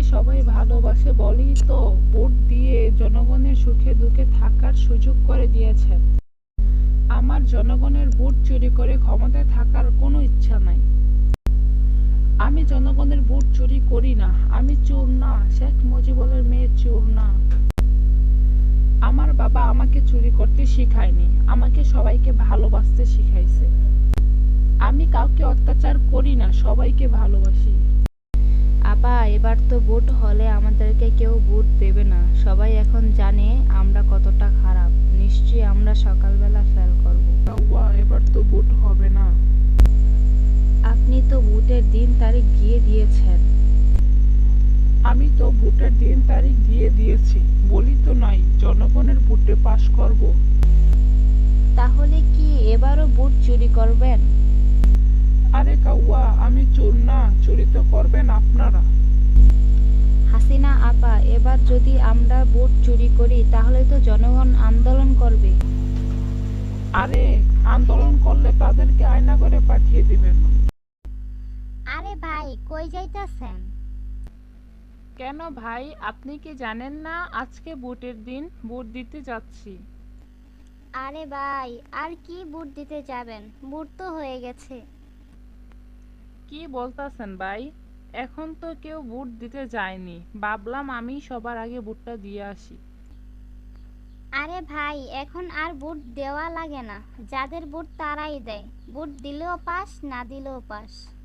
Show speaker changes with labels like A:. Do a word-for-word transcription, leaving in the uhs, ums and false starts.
A: সবাই ভালোবাসে বলেই তো ভোট দিয়ে জনগণের সুখে দুঃখে থাকার সুযোগ করে দিয়েছেন। আমার জনগণের ভোট চুরি করে ক্ষমতায় থাকার কোনো ইচ্ছা নাই। আমি জনগণের ভোট চুরি করি না। আমি চোর না, শেখ মুজিবুরের মেয়ে চোর না। আমার বাবা আমাকে চুরি করতে শিখায়নি, আমাকে সবাইকে ভালোবাসতে শিখাইছে। আমি কাউকে অত্যাচার করি না, সবাইকে ভালোবাসি।
B: আপা, এবার তো ভোট হলে আমাদেরকে কেউ ভোট দেবে না। সবাই এখন জানে আমরা কতটা খারাপ। নিশ্চয়ই আমরা সকালবেলা ফেল করব।
A: কাউয়া, এবার তো ভোট হবে না।
B: আপনি তো ভোটের দিন তারিখ দিয়ে দিয়েছেন।
A: আমি তো ভোটের দিন তারিখ দিয়ে দিয়েছি, বলি তো নাই জনগণের ভোটে পাশ করব।
B: তাহলে কি এবারও ভোট চুরি করবেন?
A: আরে কাউয়া, আমি চোর না, চুরি তো করবেন আপনারা।
B: হাসিনা আপা, এবার যদি আমরা ভোট চুরি করি তাহলে তো জনগণ আন্দোলন করবে।
A: আরে, আন্দোলন করলে তাদেরকে আয়না করে পাঠিয়ে দিবেন।
C: আরে ভাই, কই যাইতাছেন?
A: কেন ভাই, আপনি কি জানেন না আজকে ভোটের দিন? ভোট দিতে যাচ্ছি।
C: আরে ভাই, আর কি ভোট দিতে যাবেন? ভোট তো হয়ে গেছে।
A: কি বলতাছেন ভাই? এখন তো কেউ ভোট দিতে যায়নি, ভাবলাম আমি সবার আগে ভোটটা দিয়ে আসি।
C: আরে ভাই, এখন আর ভোট দেওয়া লাগে না। যাদের ভোট তারাই দেয়। ভোট দিলেও পাস, না দিলেও পাস।